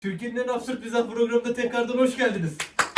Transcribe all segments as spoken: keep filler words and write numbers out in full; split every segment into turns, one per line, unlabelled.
Türkiye'nin en absürt mizah programında tekrardan hoş geldiniz.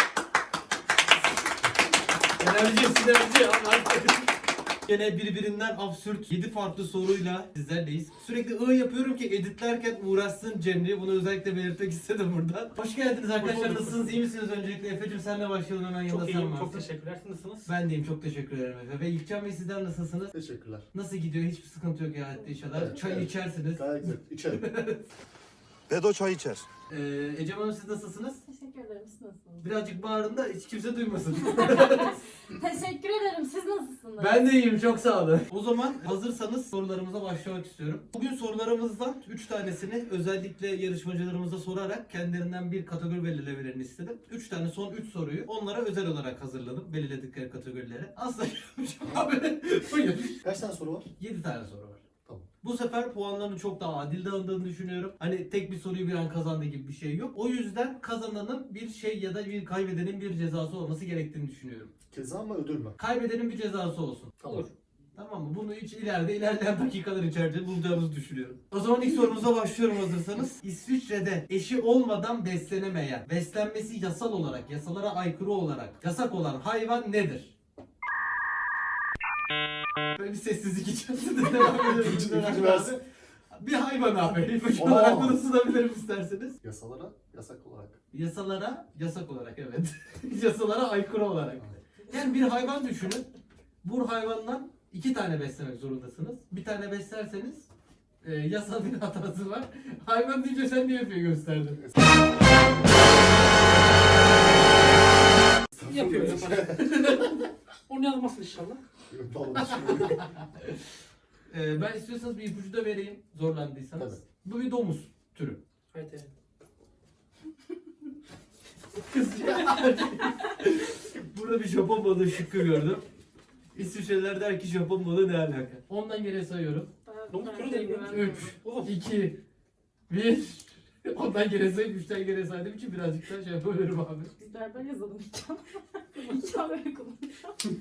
Enerji, sinerji. Gene birbirinden absürt yedi farklı soruyla sizlerleyiz. Sürekli ı yapıyorum ki editlerken uğraşsın Cemre. Bunu özellikle belirtmek istedim buradan. Hoş geldiniz arkadaşlar. Nasılsınız? İyi misiniz öncelikle? Efe'cim senle başlayalım hemen.
Çok
yanında
iyiyim,
sen varsın.
çok teşekkürler. Siz nasılsınız?
Ben deyim, çok teşekkür ederim Efe. Ve İlkcan Bey sizler nasılsınız?
Teşekkürler.
Nasıl gidiyor? Hiçbir sıkıntı yok ya inşallah.
Evet,
Çay
evet.
içersiniz.
Gayet güzel. İçerim.
Bedo çay içer.
Ee, Ecem Hanım siz nasılsınız?
Teşekkür ederim. Siz nasılsınız?
Birazcık bağırın da hiç kimse duymasın.
Teşekkür ederim. Siz nasılsınız?
Ben de iyiyim, çok sağ olun. O zaman hazırsanız sorularımıza başlamak istiyorum. Bugün sorularımızdan üç tanesini özellikle yarışmacılarımıza sorarak kendilerinden bir kategori belirlemelerini istedim. üç tane son üç soruyu onlara özel olarak hazırladım belirledikleri kategorilere. Aslında abi buyur.
Kaç tane soru var?
yedi tane soru var.
Tamam.
Bu sefer puanların çok daha adil dağıldığını düşünüyorum. Hani tek bir soruyu bir an kazandı gibi bir şey yok. O yüzden kazananın bir şey ya da bir kaybedenin bir cezası olması gerektiğini düşünüyorum.
Ceza mı ödül mü?
Kaybedenin bir cezası olsun.
Olur.
Tamam mı? Bunu hiç ileride ilerleyen dakikalar içerisinde bulacağımızı düşünüyorum. O zaman ilk sorumuza başlıyorum hazırsanız. İsviçre'de eşi olmadan beslenemeyen, beslenmesi yasal olarak, yasalara aykırı olarak yasak olan hayvan nedir? Böyle bir sessizlik içerisinde devam ediyoruz.
İpucu- ipucu versin.
Bir hayvan abi. İpucu
Aa.
olarak bunu sunabilirim isterseniz.
Yasalara yasak olarak.
Yasalara yasak olarak, evet. Yasalara aykırı olarak. Yani bir hayvan düşünün. Bu hayvandan iki tane beslemek zorundasınız. Bir tane beslerseniz e, yasal bir hatası var. Hayvan deyince sen niye yapıyor gösterdin?
Yapıyor, yapar. Onu yazmasın inşallah.
Vallahi düşünüyorum.
E, ben istiyorsanız bir ipucu da vereyim zorlandıysanız.
Tabii.
Bu bir domuz türü.
Evet, evet.
Kız Burada bir Japon balığı şıkkı gördüm. İsviçreliler der ki Japon balığı ne alaka? Ondan geriye sayıyorum.
Domuz türü değil mi?
üç, iki, bir. Ondan geriye sayıp üçten geriye saydığım için birazcık daha şey yapıyorum abi.
Biz berber yazalım İlkan. İlkan böyle konuşuyor.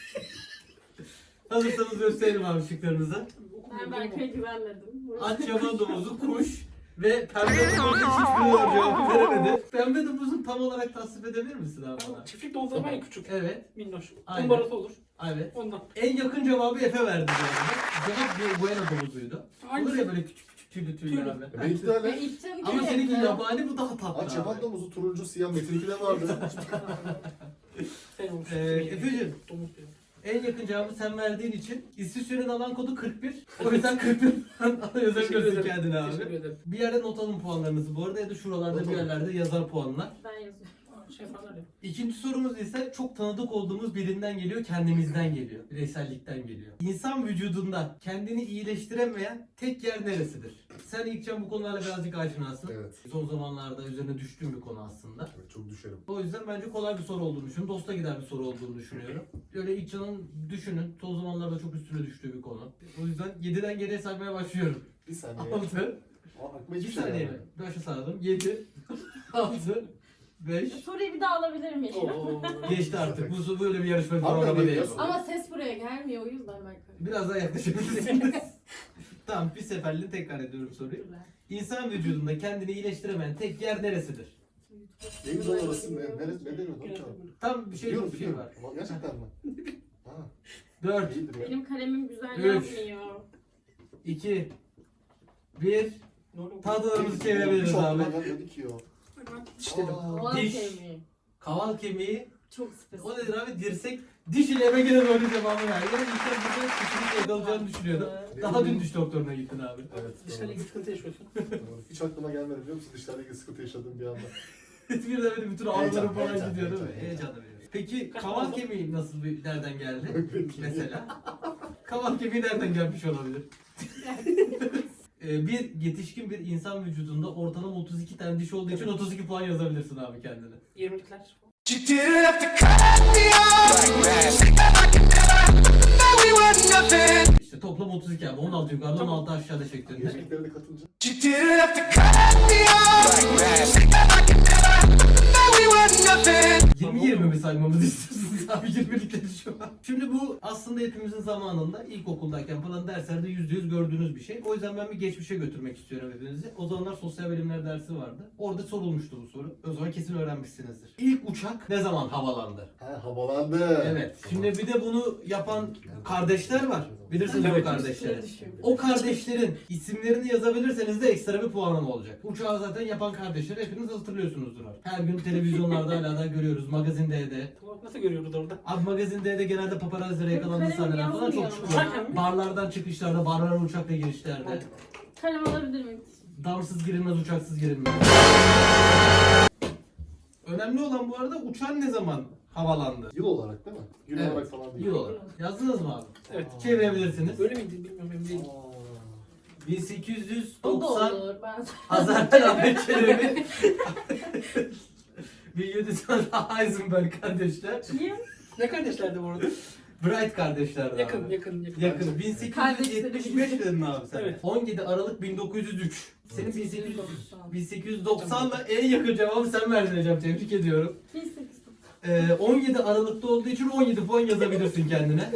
Hazırsanız gösterelim abi şıklarınızı.
Ben Berkay'a güvenmedim.
At, yaban domuzu, kuş ve pembe domuzun hiçbiri cevabı veremedi. Pembe domuzun tam olarak tasvip edebilir misin abi bana?
Çiftlik domuzları var ya küçük.
Evet,
Minnoş.
Aynen.
Kumbarası olur.
evet.
Ondan.
En yakın cevabı Efe verdi bu arada. Cevap bir buena domuzuydu.
Aynı.
Olur ya böyle küçük küçük tüylü tüylü
Tüylü.
abi.
Benimki de öyle.
Ve İlkcan
Ama seninki yabani, bu daha tatlı
Aç
abi.
yaban domuzu turuncu siyah Metin'inki de vardı.
Sen olmuş.
Ee, Efe'cim,
Domuz diyor.
en yakın cevabı sen verdiğin için İsviçre'nin alan kodu kırk bir. O yüzden kırk bir puan yazabilirsin kendine
Teşekkür
abi.
ederim.
Bir yerde not alın puanlarınızı bu arada ya da şuralarda bir yerlerde yazar puanlar.
Ben yazıyorum.
Aa, Şey yaparlar ya.
İkinci sorumuz ise çok tanıdık olduğumuz birinden geliyor, kendimizden geliyor. Bireysellikten geliyor. İnsan vücudunda kendini iyileştiremeyen tek yer neresidir? Sen İlkcan bu konularla birazcık aşinasın.
Evet.
Son zamanlarda üzerine düştüğüm bir konu aslında.
Evet, çok düşerim.
O yüzden bence kolay bir soru olduğunu düşünüyorum. Dosta gider bir soru olduğunu düşünüyorum. Böyle İlkcan'ın düşünün. Son zamanlarda çok üstüne düştüğü bir konu. O yüzden yediden geriye saymaya başlıyorum.
Bir saniye.
altı,
Aa, aklıma
bir
hiçbir şey
saniye mi?
gelmedi.
Başa sardım. yedi, altı, beş.
Soruyu bir daha alabilir miyim?
Oo.
Geçti artık. Bu böyle bir yarışma
Harbiden
programı
değil
değil.
ya.
Ama ses buraya gelmiyor o yüzden Berkay.
Biraz daha yaklaşabilirsiniz. Tamam, bir seferliğine tekrar ediyorum soruyu. İnsan vücudunda kendini iyileştiremeyen tek yer neresidir?
Neyimiz lan orası? Ne, ne, ne deniyor lan ki?
Tam bir şey
Biliyorum
bir şey
biliyorum.
var.
Ama gerçekten mi? Ha,
dört,
iyidir ya.
Benim kalemim güzel
Üç.
yazmıyor.
iki, bir.
Ne oluyor?
Tahtalarımızı
Hiç
çevirebiliriz abi.
aklıma gelmedi ki o.
Ben diş dedim.
Aa,
Olan
Diş.
kemiği.
Kaval kemiği.
Çok spesifik.
O nedir abi? Dirsek. Diş ile eve gene doğru cevabı ver. Yani insan burada kesinlikle yakalayacağını düşünüyordum. Daha dün diş doktoruna gittin abi.
Evet.
Dişlerle
doğru.
ilgili sıkıntı yaşıyorsun.
Doğru. Hiç aklıma gelmedi biliyor musun? Dişlerle ilgili sıkıntı yaşadığım bir anda.
Bir de böyle bütün ağrıları
Heyecan,
falan
heyecan,
gidiyor değil mi?
heyecan,
Heyecanla veriyorsun. Peki kaval kemiği nasıl bir nereden geldi?
Peki.
Mesela. Kaval kemiği nereden gelmiş olabilir? Ee, bir yetişkin bir insan vücudunda ortalama otuz iki tane diş olduğu için otuz iki puan yazabilirsin abi kendine.
yirmilikler.
İşte toplam otuz iki abi. on altı yukarıda on altı aşağıda şeklinde.
Yeşillikleri de katınca.
yirmi yirmi mi saymamızı istiyorsunuz abi? yirmilikleri şu an. Şimdi bu aslında hepimizin zamanında ilkokuldayken falan derslerde yüzde yüz gördüğünüz bir şey. O yüzden ben bir geçmişe götürmek istiyorum hepinizi. O zamanlar sosyal bilimler dersi vardı. Orada sorulmuştu bu soru. O zaman kesin öğrenmişsinizdir. İlk uçak ne zaman havalandı?
Ha havalandı.
Evet. Şimdi bir de bunu yapan kardeşler var. Bilirsiniz o
Evet.
kardeşleri.
Düşüyor.
O kardeşlerin isimlerini yazabilirseniz de ekstra bir puanım olacak. Uçağı zaten yapan kardeşleri hepiniz hatırlıyorsunuzdur artık. Her gün televizyonlarda hala da görüyoruz. Magazin D'de.
Tamam, nasıl görüyoruz orada?
Abi Magazin D'de genelde paparazzilere yakalandığı
Kalem
sahneler falan çok
yazmıyor
çıkıyor.
ama. Uçarken mi?
Barlardan çıkışlarda, barlara uçakla girişlerde.
Kalem alabilir miyim?
Damsız girilmez, uçaksız girilmez. Önemli olan bu arada uçağın ne zaman havalandı?
Yıl olarak değil mi? Gün
Evet.
olarak falan değil.
Yıl olarak. Yazdınız mı abi?
Evet.
Çevirebilirsiniz.
Öyle miydi bilmiyorum emin değilim.
Aa.
bin sekiz yüz
O da
doksan
olur. Ben
Hazarten Ahmet Çelebi. bin yedi yüz Heisenberg kardeşler.
kim?
Ne kardeşlerdi bu arada?
Bright kardeşlerdi
Yakın,
abi.
yakın, yakın.
Yakın. bin sekiz yüz yetmiş beş dedin abi sen.
Evet.
on yedi Aralık bin dokuz yüz üç. Senin bin sekiz yüz,
doksan.
bin sekiz yüz doksanla en yakın cevabı sen verdin hocam. Tebrik ediyorum.
bin sekiz yüz doksan.
Ee, on yedi Aralık'ta olduğu için on yedi puan yazabilirsin kendine.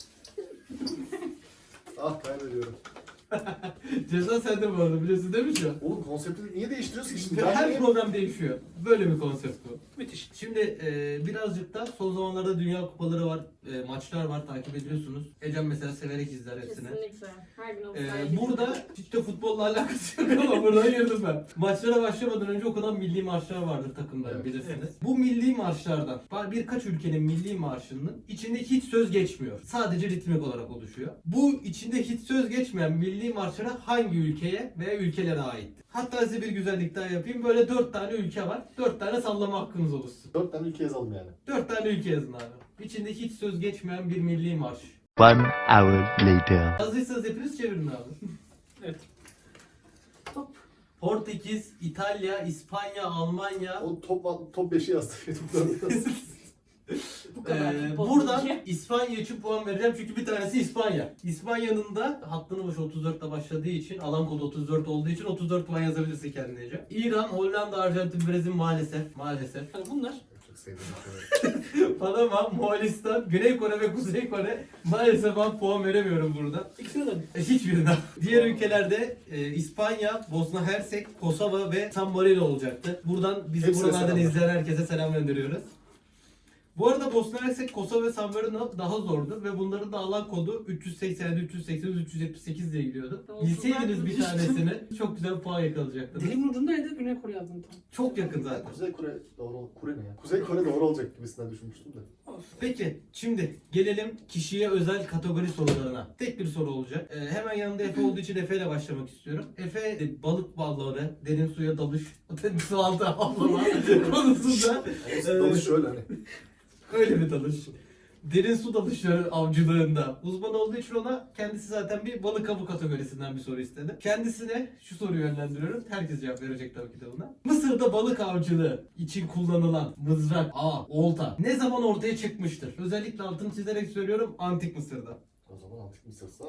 Ah kaybediyorum.
Ceza sende bu arada, biliyorsun değil mi şu an?
Oğlum konsepti niye değiştiriyorsun ki şimdi?
Her
Ben
program değişiyor. Böyle bir konsept bu.
Müthiş.
Şimdi e, birazcık da son zamanlarda dünya kupaları var, e, maçlar var, takip ediyorsunuz. Ecem mesela severek izler hepsini.
Kesinlikle. Her gün o
E, burada hiç de futbolla alakası yok ama buradan girdim ben. Maçlara başlamadan önce okunan milli marşlar vardır takımların,
Evet,
bilirsiniz.
evet.
Bu milli marşlardan var birkaç ülkenin milli marşının içinde hiç söz geçmiyor. Sadece ritmik olarak oluşuyor. Bu içinde hiç söz geçmeyen milli marşlara hangi ülkeye veya ülkelere ait? Hatta size bir güzellik daha yapayım. Böyle dört tane ülke var. Dört tane sallama hakkınız oluşsun.
dört tane ülke yazalım yani.
Dört tane ülke yazın abi. İçinde hiç söz geçmeyen bir milli marş.
One hour later.
Hazırsanız hepiniz çevirin abi.
Evet.
Top.
Portekiz, İtalya, İspanya, Almanya.
O top top beşi yazdı.
Bu kadar.
Ee,
futbol
buradan
bilgi.
İspanya için puan vereceğim çünkü bir tanesi İspanya. İspanya'nın da hattının başı otuz dörtte başladığı için, alan kodu otuz dört olduğu için otuz dört puan yazabilirsin kendince. İran, Hollanda, Arjantin, Brezilya maalesef. Maalesef.
Hani bunlar
Çok sevdim. şey.
Panama, Moğolistan, Güney Kore ve Kuzey Kore. Maalesef ben puan veremiyorum burada.
ikisine de.
E, hiçbirinden. Diğer ülkelerde e, İspanya, Bosna Hersek, Kosova ve San Marino olacaktı. Buradan bizi
Hepsine
buralardan
selamlar.
izleyen herkese selam gönderiyoruz. Bu arada Bosna Hersek, Kosova ve San Marino daha zordu ve bunların da alan kodu üç yüz seksen, üç yüz seksen, üç yüz yetmiş sekiz diye gidiyordu.
Olsun,
Bilseydiniz bir
ben
tanesini çok güzel puan yakalayacaktınız.
Dilimin ucundaydı, Güney Kore yazdım tam.
Çok yakın zaten.
Kuzey Kore doğru ol- Kore ne ya? Kuzey Kore doğru olacak gibisinden düşünmüştüm de.
Peki şimdi gelelim kişiye özel kategori sorularına. Tek bir soru olacak. Ee, hemen yanında Efe olduğu için Efe ile başlamak istiyorum. Efe e, balık balları, derin suya dalış, su altı avlama konusunda
Ama
Evet.
dalış şöyle hani.
öyle bir dalış. Derin su dalışları avcılığında uzman olduğu için ona kendisi zaten bir balık avı kategorisinden bir soru istedi. Kendisine şu soruyu yönlendiriyorum. Herkes cevap verecek tabii ki de buna. Mısır'da balık avcılığı için kullanılan mızrak, ağ, olta ne zaman ortaya çıkmıştır? Özellikle altını çizerek söylüyorum, antik Mısır'da.
O zaman antik Mısır'sa.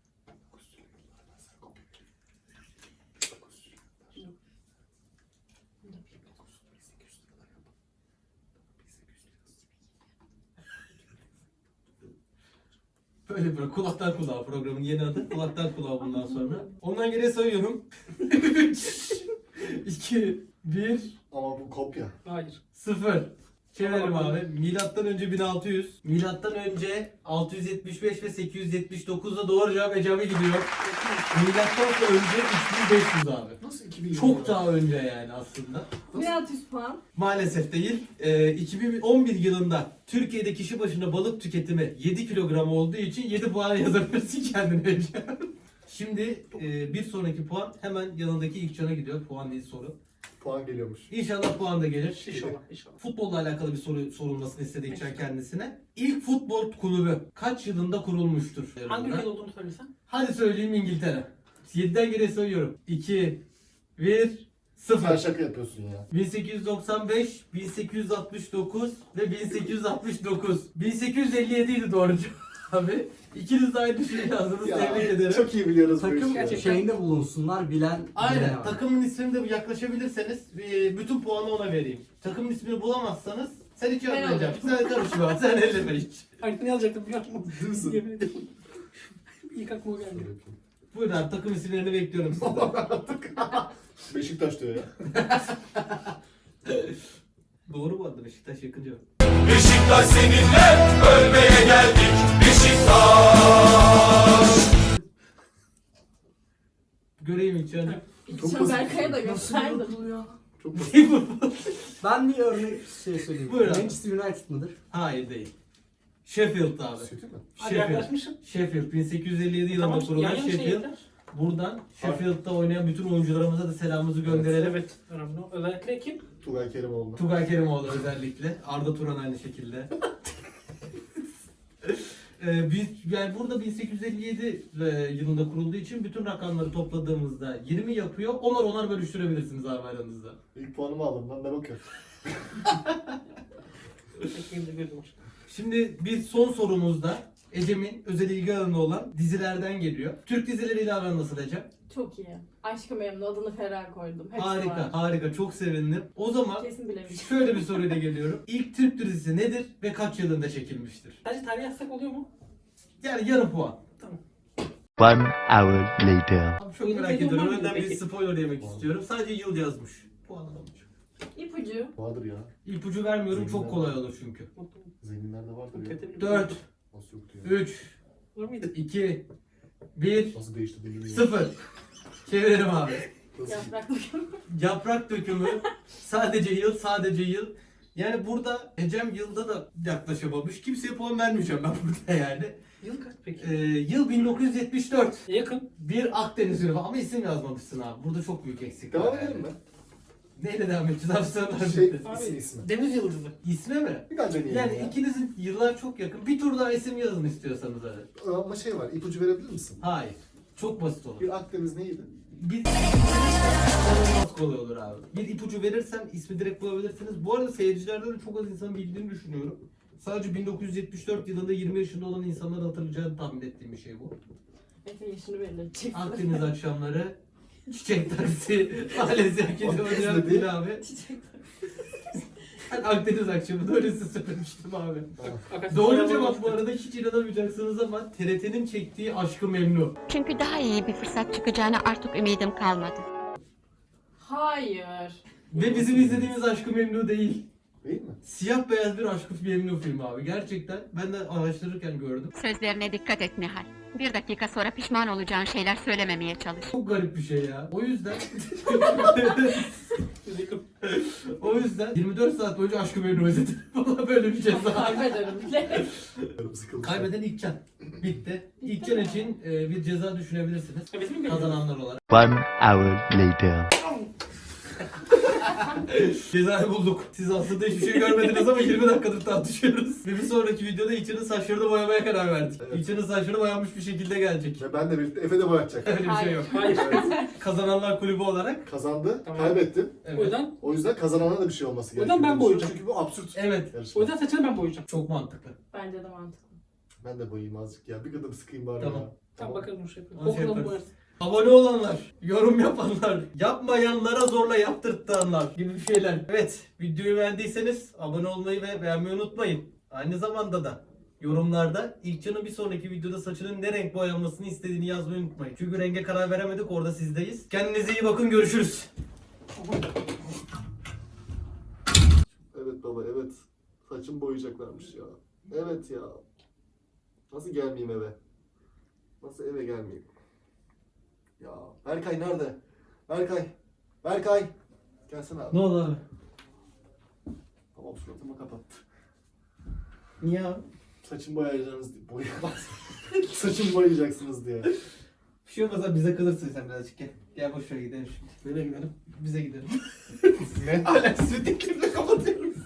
Böyle böyle kulaktan kulağa programın yeni adı. Kulaktan kulağa bundan sonra. Ondan geriye sayıyorum. üç, iki, bir,
Ama bu kopya.
Hayır.
sıfır. Çevirelim abi. Milattan önce bin altı yüz. Milattan önce altı yüz yetmiş beş ve sekiz yüz yetmiş dokuzda doğru cevap Ecem'e gidiyor. Milattan sonra önce üç bin beş yüz abi.
Nasıl iki bin
Çok
ya?
daha önce yani aslında.
bin altı yüz puan.
Maalesef değil. Ee, iki bin on bir yılında Türkiye'de kişi başına balık tüketimi yedi kilogram olduğu için yedi puan yazabilirsin kendine Ecem. Şimdi e, bir sonraki puan hemen yanındaki ilk cana gidiyor. Puan değil soru.
Puan geliyormuş.
İnşallah puan da gelir.
İnşallah, inşallah.
Futbolla alakalı bir soru sorulmasını istediği için kendisine. İlk futbol kulübü kaç yılında kurulmuştur?
Hangi ülkede olduğunu söylesen?
Hadi söyleyeyim, İngiltere. yediden geriye sayıyorum. iki, bir,
Sen
sıfır.
şaka yapıyorsun ya.
bin sekiz yüz doksan beş, bin sekiz yüz altmış dokuz ve bin sekiz yüz altmış dokuz. bin sekiz yüz elli yedi idi doğru cevap abi. İkiniz de aynı şeyi yazdınız. Tebrik ederim.
Çok iyi biliyoruz bu
Takım
işi.
gerçekten-
şeyinde bulunsunlar bilen.
Aynen.
bilene var.
Takımın ismini de yaklaşabilirseniz e, bütün puanı ona vereyim. Takımın ismini bulamazsanız Sen hiç
Ben
yapmayacaksın. Sen karışma. Sen elleme hiç.
Aynı ne yazacaktım biliyor musun?
Değil misin?
Yemin ederim. İlk aklıma o geldi.
Şöyle yapayım.
Buyurun abi takım isimlerini bekliyorum sizden.
Beşiktaş diyor ya.
Doğru bu arada Beşiktaş yakınca.
Beşiktaş seninle ölmeye geldik. Beşiktaş.
Göreyim hiç yani.
Çok
Sen
basit.
Berkay'a da
Nasıl
gösterdim.
Liverpool ya?
Çok basit.
Ben bir örnek şey söyleyeyim.
Buyur abi.
Manchester United mıdır?
Hayır değil. Sheffield abi.
Kötü mü?
Hadi
Sheffield.
yaklaşmışsın.
Sheffield bin sekiz yüz elli yedi yılında
Tamam,
kurulan
yan yana
Sheffield.
şehirler.
Buradan Sheffield'da oynayan bütün oyuncularımıza da selamımızı gönderelim.
Evet. Önemli. Özellikle kim?
Tugay Kerimoğlu.
Tugay Kerimoğlu özellikle. Arda Turan aynı şekilde. Ee, biz yani burada bin sekiz yüz elli yedi e, yılında kurulduğu için bütün rakamları topladığımızda yirmi yapıyor. Onar onar bölüştürebilirsiniz abi aranızda.
İlk puanımı aldım lan ne bakıyorum.
Ekmeğimde gözüm var.
Şimdi biz son sorumuzda Ecem'in özel ilgi alanı olan dizilerden geliyor. Türk dizileriyle aran nasıl Ecem?
Çok iyi. Aşkı Memnu adını Ferah koydum. Hepsi
Harika,
var.
harika. Çok sevindim. O zaman
Kesin bilemeyeceğim.
şöyle bir soruyla geliyorum. İlk Türk dizisi nedir ve kaç yılında çekilmiştir?
Sadece tarih yazsak oluyor mu?
Yani yarım puan.
One hour later.
Abi çok
Benim
merak
dediğim
ediyorum.
var mı
Önden bir
peki?
spoiler yemek
Var.
istiyorum. Sadece yıl yazmış. Puan alamayacağım.
İpucu.
Vardır ya.
İpucu vermiyorum. Çok
Zenginler.
kolay olur çünkü.
Zenginlerde vardır ya.
dört,
Nasıl yoktu ya?
üç,
Var mıydı?
iki, bir,
Nasıl değişti bilmiyorum.
sıfır. Çevirelim abi.
Nasıl?
Yaprak dökümü.
Yaprak dökümü. Sadece yıl, sadece yıl. Yani burada Ecem yılda da yaklaşamamış. Kimseye puan vermeyeceğim ben burada yani.
Yıl kaç peki?
Ee, yıl bin dokuz yüz yetmiş dört.
Yakın.
Bir Akdeniz ürünü ama isim yazmamışsın abi. Burada çok büyük eksik var.
Devam
yani.
edelim mi?
Neyle devam edeceğiz abi? Sonra
Şey,
bitti.
ismi ismi.
Deniz yıldızı.
İsme mi?
Bir daha deneyelim
Yani
ya.
ikinizin yıllar çok yakın. Bir tur daha isim yazın istiyorsanız hadi.
Ama şey var, ipucu verebilir misin?
Hayır. Çok basit olur.
Bir Akdeniz neydi?
Bir inanılmaz kolay olur abi. Bir ipucu verirsem ismi direkt bulabilirsiniz. Bu arada seyircilerden de çok az insan bildiğini düşünüyorum. Sadece bin dokuz yüz yetmiş dört yılında yirmi yaşında olan insanların hatırlayacağını tahmin ettiğim bir şey bu.
Efe yaşını belirleyecek.
Akdeniz akşamları, çiçek taksi, aile zevkini
Akdeniz
oynayan
dedi.
değil abi. Ben Akdeniz akşamı da öylesi söylemiştim abi.
Akasya
Doğru
Soyal'ın
cevap
başka.
bu arada hiç inanamayacaksınız ama T R T'nin çektiği Aşk-ı Memnu.
Çünkü daha iyi bir fırsat çıkacağına artık ümidim kalmadı.
Hayır.
Ve bizim izlediğimiz Aşk-ı Memnu değil.
Değil mi?
Siyah beyaz bir Aşk-ı Memnu filmi abi. Gerçekten ben de araştırırken gördüm.
Sözlerine dikkat et Nihal. Bir dakika sonra pişman olacağın şeyler söylememeye çalış.
Çok garip bir şey ya. O yüzden
Yakın.
o yüzden yirmi dört saat boyunca Aşk-ı Memnu izledim. Valla böyle bir ceza.
Kaybederim bile.
Yarım sıkılmış.
Kaybeden İlkcan. Bitti. İlkcan için e, bir ceza düşünebilirsiniz.
Ha, bizim mi görüyoruz?
Kazananlar olarak.
One hour later.
Cezayı bulduk. Siz aslında hiçbir şey görmediniz ama yirmi dakikadır tartışıyoruz. Ve bir sonraki videoda İlkcan'ın saçlarını boyamaya karar verdik.
Evet.
İlkcan'ın saçları boyanmış bir şekilde gelecek.
Ve ben de birlikte Efe de boyatacak.
Öyle bir şey
Hayır.
yok.
Hayır.
Kazananlar kulübü olarak.
Kazandı,
Tamam.
kaybettim.
Evet.
O yüzden
O yüzden kazanana da bir şey olması
O
gerekiyor.
yüzden ben boyayacağım.
Çünkü bu absürt.
Evet.
yarışma.
o yüzden saçını ben boyayacağım.
Çok mantıklı.
Bence de mantıklı.
Ben de boyayayım azıcık ya. Bir gıdım sıkayım bari
Tamam.
ya.
Tamam bakalım bu şey yapalım.
Onu şey
Kokulalım
yaparız.
boyarız.
Abone olanlar, yorum yapanlar, yapmayanlara zorla yaptırtanlar gibi bir şeyler. Evet, videoyu beğendiyseniz abone olmayı ve beğenmeyi unutmayın. Aynı zamanda da yorumlarda İlkcan'ın bir sonraki videoda saçının ne renk boyanmasını istediğini yazmayı unutmayın. Çünkü renge karar veremedik, orada sizdeyiz. Kendinize iyi bakın, görüşürüz.
Evet baba evet. Saçımı boyayacaklarmış ya. Evet ya. Nasıl gelmeyeyim eve? Nasıl eve gelmeyeyim? Ya Berkay nerede? Berkay. Berkay. Gelsene abi.
Ne oldu abi?
Tamam suratımı kapattı.
Niye abi?
Saçımı boyayacaksınız diye. Boyayamaz. Saçımı boyayacaksınız diye.
Bir şey olmasa bize kalırsın sen birazcık gel. Gel boşver gidelim şimdi.
Nereye gidelim?
Bize gidelim.
Ne?
Hala sürekli kapatıyorum.